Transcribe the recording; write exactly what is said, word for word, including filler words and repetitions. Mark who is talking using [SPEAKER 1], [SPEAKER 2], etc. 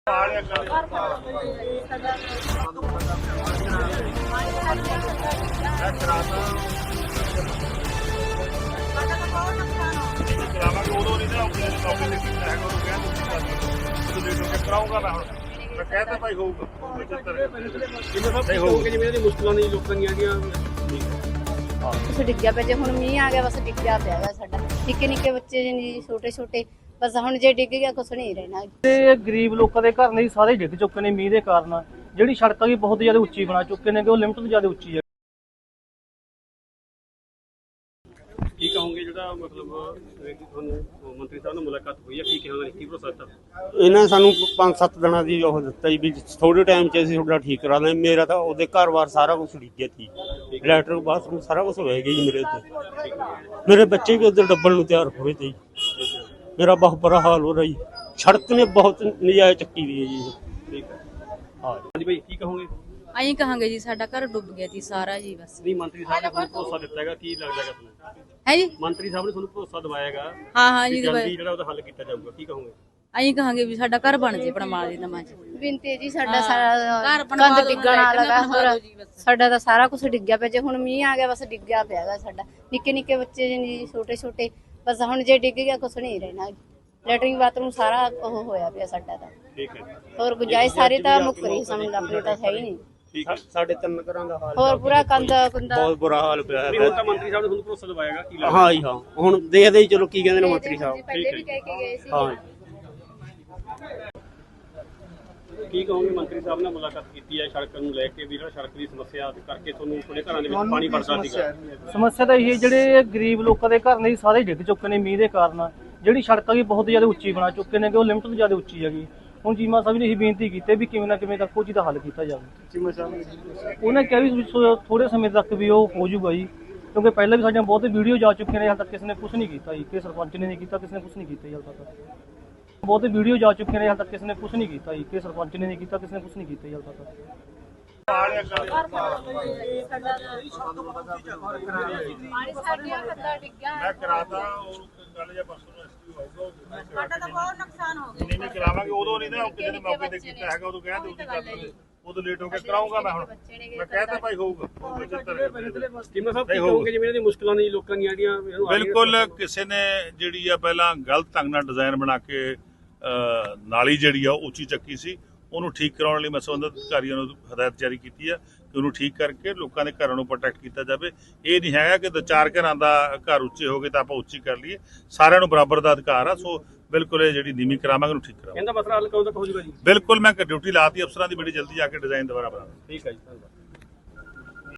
[SPEAKER 1] ਕਰਾਉਂਗਾ ਮੈਂ ਹੁਣ ਮੈਂ ਕਹਿਤਾ ਭਾਈ ਹੋਊਗਾ
[SPEAKER 2] ਜਿਵੇਂ ਮੁਸ਼ਕਲਾਂ ਨਹੀਂ ਲੋਕਾਂ ਦੀਆਂ ਆਗੀਆਂ
[SPEAKER 3] ਕੁਛ ਡਿੱਗਿਆ ਪਿਆ। ਜੇ ਹੁਣ ਮੀਂਹ ਆ ਗਿਆ ਬਸ ਡਿੱਗਿਆ ਪਿਆ ਗਾ ਸਾਡਾ। ਨਿੱਕੇ ਨਿੱਕੇ ਬੱਚੇ ਜੀ ਛੋਟੇ ਛੋਟੇ ਬਸ ਹੁਣ ਜੇ ਡਿੱਗ ਗਿਆ ਕੁਛ ਨਹੀਂ ਰਹਿਣਾ।
[SPEAKER 4] ਤੇ ਗਰੀਬ ਲੋਕਾਂ ਦੇ ਘਰ ਨਹੀਂ ਸਾਰੇ ਡਿੱਗ ਚੁੱਕੇ ਨੇ ਮੀਂਹ ਦੇ ਕਾਰਨ। ਜਿਹੜੀ ਸੜਕਾਂ ਵੀ ਬਹੁਤ ਜ਼ਿਆਦਾ ਉੱਚੀ ਬਣਾ ਚੁੱਕੇ ਨੇ ਕਿ ਉਹ ਲਿਮਟ ਤੋਂ ਜ਼ਿਆਦਾ ਉੱਚੀ ਹੈ।
[SPEAKER 2] ਕੀ ਕਹੋਗੇ ਜਿਹੜਾ ਮਤਲਬ ਤੁਹਾਨੂੰ ਮੰਤਰੀ ਸਾਹਿਬ ਨਾਲ ਮੁਲਾਕਾਤ ਹੋਈ ਹੈ, ਕੀ ਕਹੋਗੇ, ਕੀ ਭਰੋਸਾ ਦਿੱਤਾ
[SPEAKER 5] ਇਹਨਾਂ ਸਾਨੂੰ ਪੰਜ ਸੱਤ ਦਿਨਾਂ ਦੀ ਉਹ ਦਿੱਤਾ ਜੀ ਵੀ ਥੋੜੇ ਟਾਈਮ 'ਚ ਅਸੀਂ ਤੁਹਾਡਾ ਠੀਕ ਕਰਾ ਦਾਂਗੇ। ਮੇਰਾ ਤਾਂ ਉਹਦੇ ਘਰ-ਬਾਰ ਸਾਰਾ ਕੁਝ ਡਿੱਗਿਆ ਸੀ, ਲੈਟਰ ਬਾਥਰੂਮ ਸਾਰਾ ਕੁਝ ਹੋਇਆ ਗਿਆ ਜੀ ਮੇਰੇ ਉੱਤੇ। ਮੇਰੇ ਬੱਚੇ ਵੀ ਉੱਧਰ ਡੱਬਲ ਨੂੰ ਤਿਆਰ ਹੋਏ ਤੇ ਜੀ। ਮੇਰਾ ਬਹੁਤ ਬੁਰਾ ਹਾਲ ਹੋ ਰਿਹਾ ਜੀ। ਸੜਕ ਨੇ ਬਹੁਤ ਨਜਾਇਜ਼ ਚੱਕੀ ਦੀ ਹੈ ਜੀ।
[SPEAKER 2] ਠੀਕ ਹੈ ਹਾਂਜੀ ਭਾਈ, ਕੀ ਕਹੋਗੇ?
[SPEAKER 6] ਅਸੀਂ ਕਹਾਂਗੇ ਜੀ ਸਾਡਾ ਘਰ ਡੁੱਬ ਗਿਆ ਜੀ ਸਾਰਾ ਜੀ। ਬਸ
[SPEAKER 2] ਨਹੀਂ, ਮੰਤਰੀ ਸਾਹਿਬ ਨੇ ਤੁਹਾਨੂੰ ਭਰੋਸਾ ਦਿੱਤਾ ਹੈਗਾ, ਕੀ ਲੱਗਦਾ ਹੈਗਾ ਤੁਹਾਨੂੰ?
[SPEAKER 6] ਹੈ ਜੀ,
[SPEAKER 2] ਮੰਤਰੀ ਸਾਹਿਬ ਨੇ ਤੁਹਾਨੂੰ ਭਰੋਸਾ ਦਿਵਾਇਆਗਾ
[SPEAKER 6] ਹਾਂ ਹਾਂ ਜੀ।
[SPEAKER 2] ਜਲਦੀ ਜਿਹੜਾ ਉਹਦਾ ਹੱਲ ਕੀਤਾ ਜਾਊਗਾ, ਕੀ ਕਹੋਗੇ?
[SPEAKER 6] ਅਸੀਂ ਕਹਾਂਗੇ ਵੀ ਸਾਡਾ ਘਰ ਬਣ ਜੇ ਬਣਵਾ ਦੇ ਨਵਾਂ ਜੀ।
[SPEAKER 3] ਬਿੰਤੇ ਜੀ ਸਾਡਾ ਸਾਰਾ
[SPEAKER 6] ਘਰ ਬਣਵਾ
[SPEAKER 3] ਕੰਧ
[SPEAKER 6] ਦਿਓ,
[SPEAKER 3] ਡਿੱਗਣ ਵਾਲਾ ਗਾ।
[SPEAKER 6] ਬਣਵਾ ਦਿਓ ਜੀ
[SPEAKER 3] ਹੋਰ
[SPEAKER 6] ਬਸ।
[SPEAKER 3] ਸਾਡਾ ਤਾਂ ਸਾਰਾ ਕੁਝ ਡਿੱਗਿਆ ਪਿਆ। ਜੇ ਹੁਣ ਮੀਂਹ ਆ ਗਿਆ ਬਸ ਡਿੱਗਿਆ ਪਿਆ ਗਾ ਸਾਡਾ। ਨਿੱਕੇ ਨਿੱਕੇ ਬੱਚੇ ਜੀ ਛੋਟੇ ਛੋਟੇ ਬਸ ਹੁਣ ਜੇ ਡਿੱਗ ਗਿਆ ਕੁਛ ਨਹੀਂ ਰਹਿਣਾ। ਲੈਟਰਿੰਗ ਬਾਥਰੂਮ ਸਾਰਾ ਉਹ ਹੋਇਆ ਪਿਆ ਸਾਡਾ ਤਾਂ।
[SPEAKER 2] ਠੀਕ ਹੈ,
[SPEAKER 3] ਹੋਰ ਗੁੰਜਾਇਸ਼ ਸਾਰੀ ਤਾਂ ਮੁੱਕ ਰਹੀ ਸਮਝ ਆਪਣੇ ਤਾਂ ਹੈ ਹੀ ਨਹੀਂ।
[SPEAKER 2] ਠੀਕ ਹੈ।
[SPEAKER 5] ਸਾਡੇ ਤਿੰਨ ਘਰਾਂ ਦਾ ਹਾਲ
[SPEAKER 3] ਹੋਰ ਪੂਰਾ ਕੰਧ ਕੁੰਦਾ
[SPEAKER 5] ਬਹੁਤ ਬੁਰਾ ਹਾਲ ਪਿਆ
[SPEAKER 2] ਨਹੀਂ,
[SPEAKER 5] ਹੈ।
[SPEAKER 2] ਹੁਣ ਤਾਂ ਮੰਤਰੀ ਸਾਹਿਬ ਨੇ ਤੁਹਾਨੂੰ ਭਰੋਸਾ ਦਿਵਾਇਆਗਾ, ਕੀ ਲੱਗਦਾ?
[SPEAKER 5] ਹਾਂ ਜੀ ਹਾਂ, ਹੁਣ ਦੇਖਦੇ ਹੀ ਚਲੋ ਕੀ ਕਹਿੰਦੇ ਨੇ ਮੰਤਰੀ ਸਾਹਿਬ।
[SPEAKER 3] ਪਹਿਲੇ ਵੀ ਕਹਿ ਕੇ ਗਏ ਸੀ।
[SPEAKER 5] ਹਾਂ
[SPEAKER 2] ਕੀ ਕਹੋਗੇ? ਮੰਤਰੀ ਸਾਹਿਬ ਨਾਲ ਮੁਲਾਕਾਤ ਕੀਤੀ ਹੈ ਸੜਕ ਨੂੰ ਲੈ ਕੇ, ਵੀ ਜਿਹੜਾ ਸੜਕ ਦੀ ਸਮੱਸਿਆ ਕਰਕੇ ਤੁਹਾਨੂੰ ਤੁਹਾਡੇ ਘਰਾਂ ਦੇ ਵਿੱਚ ਪਾਣੀ ਵੜਦਾ ਸੀਗਾ।
[SPEAKER 4] ਸਮੱਸਿਆ ਤਾਂ ਇਹ ਜਿਹੜੇ ਗਰੀਬ ਲੋਕਾਂ ਦੇ ਘਰ ਨਹੀਂ ਸਾਰੇ ਡਿੱਗ ਚੁੱਕੇ ਨੇ ਮੀਂਹ ਦੇ ਕਾਰਨ। ਜਿਹੜੀ ਸੜਕਾਂ ਵੀ ਬਹੁਤ ਜ਼ਿਆਦਾ ਉੱਚੀ ਬਣਾ ਚੁੱਕੇ ਨੇ ਕਿ ਉਹ ਲਿਮਟ ਤੋਂ ਜ਼ਿਆਦਾ ਉੱਚੀ ਹੈਗੀ। ਹੁਣ ਚੀਮਾ ਸਾਹਿਬ ਨੇ ਇਹ ਬੇਨਤੀ ਕੀਤੀ ਵੀ ਕਿਵੇਂ ਨਾ ਕਿਵੇਂ ਤੱਕ ਉਹ ਚੀਜ਼ ਦਾ ਹੱਲ ਕੀਤਾ ਜਾਵੇ। ਉਹਨੇ ਕਿਹਾ ਵੀ ਥੋੜੇ ਸਮੇਂ ਤੱਕ ਵੀ ਉਹ ਹੋ ਜਾਊਗਾ ਜੀ, ਕਿਉਂਕਿ ਪਹਿਲਾਂ ਵੀ ਸਾਡੀਆਂ ਬਹੁਤ ਵੀਡੀਓ ਜਾ ਚੁੱਕੀਆਂ ਨੇ, ਹਾਲ ਤੱਕ ਕਿਸੇ ਨੇ ਕੁਝ ਨਹੀਂ ਕੀਤਾ ਜੀ। ਕਿ ਸਰਪੰਚ ਨੇ ਨਹੀਂ ਕੀਤਾ, ਕਿਸੇ ਨੇ ਕੁਝ ਨਹੀਂ ਕੀਤਾ ਜੀ ਹਾਲ ਤੱਕ। ਬਹੁਤ ਵੀਡੀਓ ਜਾ ਚੁੱਕੀਆਂ ਨੇ, ਹਾਲ ਤੱਕ ਕਿਸੇ ਨੇ ਕੁਝ ਨਹੀਂ ਕੀਤਾ ਜੀ। ਕਿ ਸਰਪੰਚ ਨੇ ਨਹੀਂ ਕੀਤਾ, ਕਿਸੇ ਨੇ ਕੁਝ ਨਹੀਂ ਕੀਤਾ ਜੀ ਹਾਲ ਤੱਕ।
[SPEAKER 1] ਮੈਂ ਕਰਾਤਾ ਉਹ ਗੱਲ ਜਾਂ ਪਰਸੋਂ ਨੂੰ ਐਸਪੀ ਆਊਗਾ।
[SPEAKER 6] ਸਾਡਾ ਤਾਂ ਬਹੁਤ ਨੁਕਸਾਨ ਹੋ ਗਿਆ।
[SPEAKER 1] ਨਹੀਂ ਨਹੀਂ ਕਰਾਵਾਂਗੇ, ਉਦੋਂ ਨਹੀਂ ਨਾ ਕਿਸੇ ਨੇ ਮੌਕੇ ਤੇ ਕੀਤਾ ਹੈਗਾ, ਉਦੋਂ ਕਹਿੰਦੇ ਉਹਦੀ ਗੱਲ ਉਦੋਂ ਲੇਟ ਹੋ ਕੇ ਕਰਾਉਂਗਾ ਮੈਂ ਹੁਣ ਮੈਂ ਕਹਿਤਾ ਭਾਈ ਹੋਊਗਾ।
[SPEAKER 2] ਚੀਮਾ ਸਾਹਿਬ, ਕੀ ਕਹੋਗੇ ਜਿਵੇਂ ਇਹਨਾਂ ਦੀ ਮੁਸ਼ਕਲਾਂ ਨਹੀਂ ਲੋਕਾਂ ਦੀਆਂ ਆਗੀਆਂ?
[SPEAKER 1] ਬਿਲਕੁਲ, ਕਿਸੇ ਨੇ ਜਿਹੜੀ ਆ ਪਹਿਲਾਂ ਗਲਤ ਢੰਗ ਨਾਲ ਡਿਜ਼ਾਈਨ ਬਣਾ ਕੇ ਨਾਲੀ ਜਿਹੜੀ ਆ ਉਹ ਉੱਚੀ ਚੱਕੀ ਸੀ, ਉਹਨੂੰ ਠੀਕ ਕਰਾਉਣ ਲਈ ਮੈਂ ਸੰਬੰਧਿਤ ਅਧਿਕਾਰੀਆਂ ਨੂੰ ਹਦਾਇਤ ਜਾਰੀ ਕੀਤੀ ਹੈ ਕਿ ਉਹਨੂੰ ਠੀਕ ਕਰਕੇ ਲੋਕਾਂ ਦੇ ਘਰਾਂ ਨੂੰ ਪ੍ਰੋਟੈਕਟ ਕੀਤਾ ਜਾਵੇ। ਇਹ ਨਹੀਂ ਹੈਗਾ ਕਿ ਦੋ ਚਾਰ ਘਰਾਂ ਦਾ ਘਰ ਉੱਚੇ ਹੋ ਗਏ ਤਾਂ ਆਪਾਂ ਉੱਚੀ ਕਰ ਲਈਏ। ਸਾਰਿਆਂ ਨੂੰ ਬਰਾਬਰ ਦਾ ਅਧਿਕਾਰ ਆ। ਸੋ ਬਿਲਕੁਲ ਇਹ ਜਿਹੜੀ ਨੀਵੀਂ ਕਰਾਵਾਂਗੇ ਉਹਨੂੰ ਠੀਕ ਕਰਾਵਾਂਗੇ।
[SPEAKER 2] ਇਹਦਾ ਮਸਲਾ ਹੱਲ ਕਦੋਂ ਤੱਕ ਹੋ ਜਾਊਗਾ ਜੀ?
[SPEAKER 1] ਬਿਲਕੁਲ, ਮੈਂ ਡਿਊਟੀ ਲਾਤੀ ਅਫਸਰਾਂ ਦੀ, ਬੜੀ ਜਲਦੀ ਆ ਕੇ ਡਿਜ਼ਾਈਨ ਦੁਬਾਰਾ ਬਣਾ।
[SPEAKER 2] ਠੀਕ ਹੈ ਜੀ, ਧੰਨਵਾਦ।